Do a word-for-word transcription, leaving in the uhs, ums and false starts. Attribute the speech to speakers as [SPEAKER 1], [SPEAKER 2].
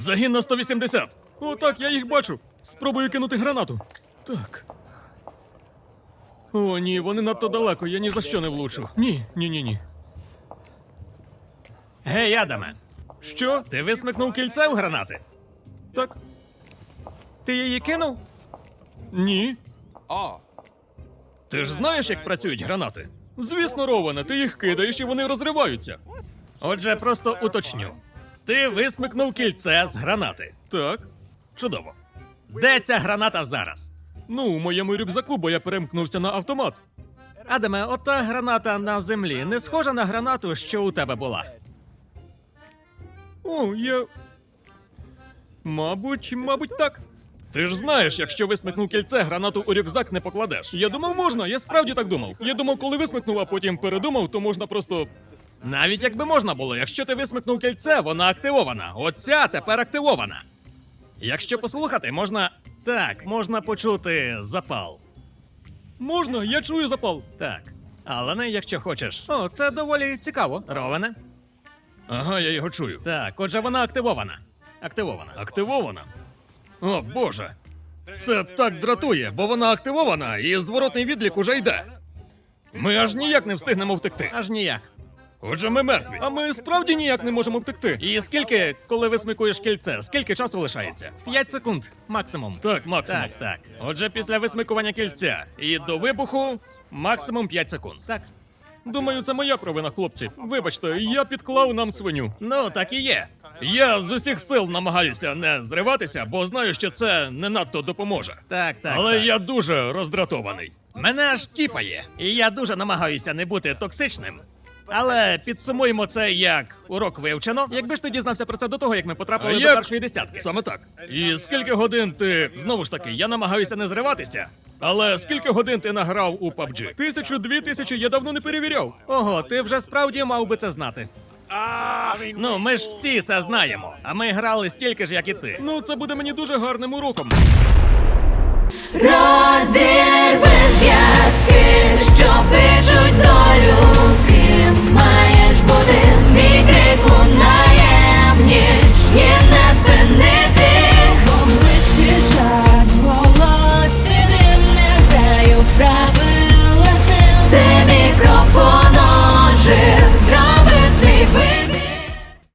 [SPEAKER 1] Загін на сто вісімдесят. О, так, я їх бачу. Спробую кинути гранату. Так. О, ні, вони надто далеко, я ні за що не влучу. Ні, ні, ні, ні.
[SPEAKER 2] Гей, Адаме,
[SPEAKER 1] Що?
[SPEAKER 2] ти висмикнув кільце в гранати?
[SPEAKER 1] Так.
[SPEAKER 2] Ти її кинув?
[SPEAKER 1] Ні.
[SPEAKER 3] А,
[SPEAKER 1] Ти ж знаєш, як працюють гранати? Звісно, Роване, ти їх кидаєш і вони розриваються.
[SPEAKER 2] Отже, просто уточню. Ти висмикнув кільце з гранати.
[SPEAKER 1] Так.
[SPEAKER 2] Чудово. Де ця граната зараз?
[SPEAKER 1] Ну, у моєму рюкзаку, бо я перемкнувся на автомат.
[SPEAKER 2] Адаме, ота граната на землі не схожа на гранату, що у тебе була.
[SPEAKER 1] О, я. Мабуть, мабуть, так. Ти ж знаєш, якщо висмикнув кільце, гранату у рюкзак не покладеш. Я думав, можна, я справді так думав. Я думав, коли висмикнув, а потім передумав, то можна просто.
[SPEAKER 2] Навіть якби можна було, якщо ти висмикнув кільце, вона активована. Оця тепер активована. Якщо послухати, можна. Так, можна почути запал.
[SPEAKER 1] Можна, я чую запал.
[SPEAKER 2] Так. Але не якщо хочеш. О, це доволі цікаво. Роване?
[SPEAKER 1] Ага, я його чую.
[SPEAKER 2] Так, отже, вона активована. Активована.
[SPEAKER 1] Активована. О, Боже. Це так дратує, бо вона активована і зворотний відлік уже йде. Ми аж ніяк не встигнемо втекти.
[SPEAKER 2] Аж ніяк.
[SPEAKER 1] Отже, ми мертві. А ми справді ніяк не можемо втекти.
[SPEAKER 2] І скільки, коли висмикуєш кільце, скільки часу лишається? П'ять секунд, максимум.
[SPEAKER 1] Так, максимум.
[SPEAKER 2] Так, так.
[SPEAKER 1] Отже, після висмикування кільця і до вибуху максимум п'ять секунд.
[SPEAKER 2] Так.
[SPEAKER 1] Думаю, це моя провина, хлопці. Вибачте, я підклав нам свиню.
[SPEAKER 2] Ну, так і є.
[SPEAKER 1] Я з усіх сил намагаюся не зриватися, бо знаю, що це не надто допоможе.
[SPEAKER 2] Так, так.
[SPEAKER 1] Але
[SPEAKER 2] так.
[SPEAKER 1] я дуже роздратований.
[SPEAKER 2] Мене аж тіпає. І я дуже намагаюся не бути токсичним. Але підсумуємо це як урок вивчено.
[SPEAKER 1] Якби ж ти дізнався про це до того, як ми потрапили
[SPEAKER 2] А
[SPEAKER 1] до
[SPEAKER 2] як?
[SPEAKER 1] першої десятки. Саме так. І скільки годин ти, знову ж таки, я намагаюся не зриватися, але скільки годин ти награв у паб джі? Тисячу, дві тисячі, я давно не перевіряв.
[SPEAKER 2] Ого, ти вже справді мав би це знати. Ну, ми ж всі це знаємо. А ми грали стільки ж, як і ти.
[SPEAKER 1] Ну, це буде мені дуже гарним уроком.
[SPEAKER 4] Розірви зв'язки, що пишуть долю. Ким маєш бути, мій крик лунає, ніж